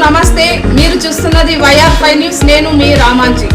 నమస్తే, మీరు చూస్తున్నది YR5 న్యూస్. నేను మీ రామాంజీ.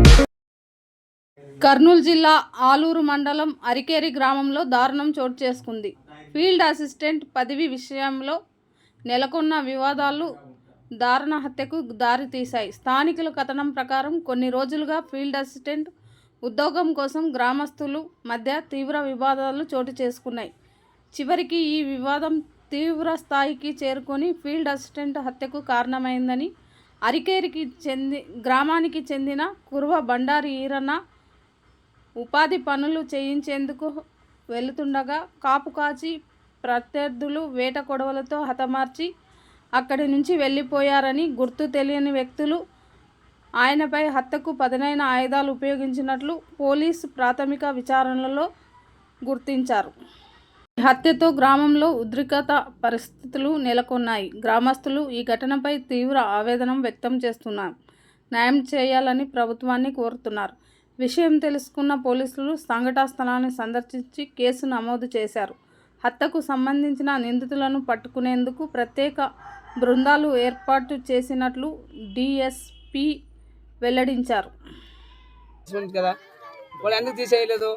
కర్నూలు జిల్లా ఆలూరు మండలం అరికేరి గ్రామంలో దారుణం చోటు చేసుకుంది. ఫీల్డ్ అసిస్టెంట్ పదవి విషయంలో నెలకొన్న వివాదాలు దారుణ హత్యకు దారితీశాయి. స్థానికుల కథనం ప్రకారం కొన్ని రోజులుగా ఫీల్డ్ అసిస్టెంట్ ఉద్యోగం కోసం గ్రామస్తుల మధ్య తీవ్ర వివాదాలు చోటు చేసుకున్నాయి. చివరికి ఈ వివాదం తీవ్ర స్థాయికి చేరుకొని ఫీల్డ్ అసిస్టెంట్ హత్యకు కారణమైందని అరికేరికి గ్రామానికి చెందిన కుర్వ బండారి ఈరన్న ఉపాధి పనులు చేయించేందుకు వెళుతుండగా కాపు కాచి ప్రత్యర్థులు వేట కొడవలతో హతమార్చి అక్కడి నుంచి వెళ్ళిపోయారని, గుర్తు తెలియని వ్యక్తులు ఆయనపై హత్యకు పదునైన ఆయుధాలు ఉపయోగించినట్లు పోలీసు ప్రాథమిక విచారణలో గుర్తించారు. ఈ హత్యతో గ్రామంలో ఉద్రిక్తత పరిస్థితులు నెలకొన్నాయి. గ్రామస్తులు ఈ ఘటనపై తీవ్ర ఆవేదన వ్యక్తం చేస్తున్నారు. న్యాయం చేయాలని ప్రభుత్వాన్ని కోరుతున్నారు. విషయం తెలుసుకున్న పోలీసులు సంఘటనా స్థలాన్ని సందర్శించి కేసు నమోదు చేశారు. హత్యకు సంబంధించిన నిందితులను పట్టుకునేందుకు ప్రత్యేక బృందాలు ఏర్పాటు చేసినట్లు DSP వెల్లడించారు. కదా వాళ్ళు ఎందుకు తీసేయలేదు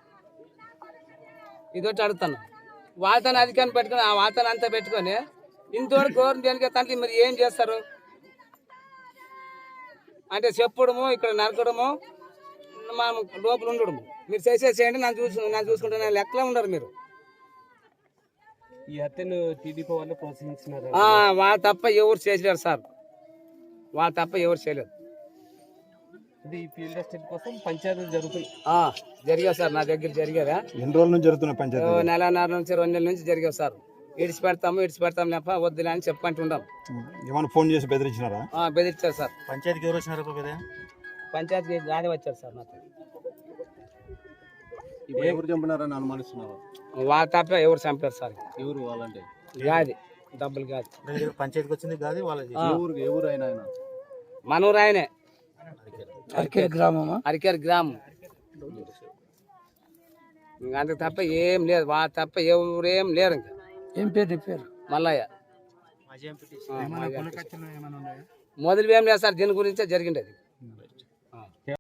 ఇదొట్టి అడుగుతాను. వాతాన్ని అధికారం పెట్టుకుని ఆ వాతాన్ని అంతా పెట్టుకొని ఇంతవరకు గవర్నమెంట్ దేనికి తండ్రి మరి ఏం చేస్తారు అంటే చెప్పడము, ఇక్కడ నరకడము, మనం లోపల ఉండడము. మీరు చేసేసేయండి, నన్ను చూసుకుంటే లెక్కలో ఉండరు మీరు. ఈ హత్యను టీడీపీ వాళ్ళు ప్రోత్సహించినారు. వాళ్ళు తప్ప ఎవరు చేయలేరు సార్, వాళ్ళు తప్ప ఎవరు చేయలేరు. ఇది ఫీల్డ్ అసిస్టెంట్ కోసం పంచాయతీలు జరుగుతుంది. జరిగావు సార్, నా దగ్గర జరిగారా? ఎన్ని రోజుల నుంచి జరుగుతున్న పంచాయతీ? నెలన్నర నుంచి 2 నెలల నుంచి జరిగావు సార్. ఇడిచి పెడతాం లేప వద్దులే అని చెప్పుకుంటుంటాం. ఏమైనా ఫోన్ చేసి బెదిరించినారా? బెదిరించారు సార్. పంచాయతీకి ఎవరు వచ్చినారు? పంచాయతీ రాని వచ్చారు సార్. నాకు ఎవరు చంపినారని అనుమానిస్తున్నారు? వాళ్ళ తప్ప ఎవరు చంపారు సార్. ఎవరు వాళ్ళంటే? గాది డబ్బులు గాది. పంచాయతీకి వచ్చింది గాది వాళ్ళది. ఎవరు అయినా మనూరు ఆయనే, అరికేరి గ్రామం. అంతకు తప్ప ఏం లేదు, వాళ్ళ తప్ప ఎవరేం లేరు. ఇంకా ఏం పేరు? పేరు మల్లయ్య. మొదలు ఏం లేదు సార్, దీని గురించే జరిగిండేది.